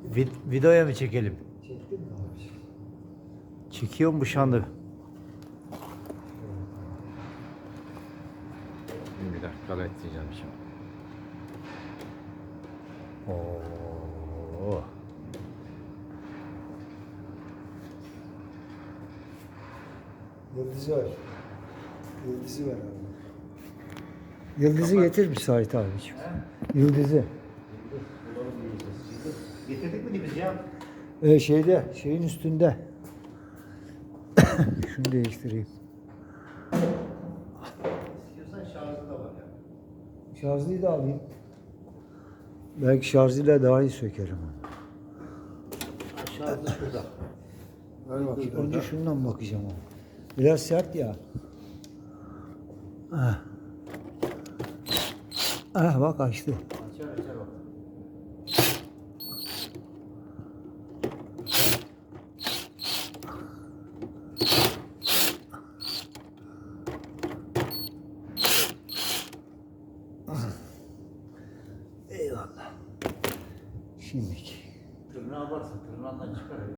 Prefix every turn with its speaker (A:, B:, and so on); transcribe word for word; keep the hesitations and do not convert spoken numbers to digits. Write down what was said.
A: Vid videoya mı çekelim?
B: Çektin mi abi?
A: Çekiyorum bu şandı.
C: Bir dakika bekleyeceğim şimdi.
A: Oo.
B: Yıldızı var. Yıldızı var abi. Yıldızı getir müsait abiciğim. Yıldızı.
A: Getirdik mi biz ya?
B: Ee, şeyde, şeyin üstünde. Şunu değiştireyim.
A: İstiyorsan şarjı da var ya.
B: Şarjlıyı da alayım. Belki şarjıyla daha iyi sökerim.
A: Şarjı şurada.
B: Ver bakayım. Önce şundan bakacağım ama. Biraz sert ya. Ah. Ah bak açtı.
A: Açar açar bak.
B: Eyvallah. Şimdiki.
A: Tırnağı varsa tırnağından çıkar.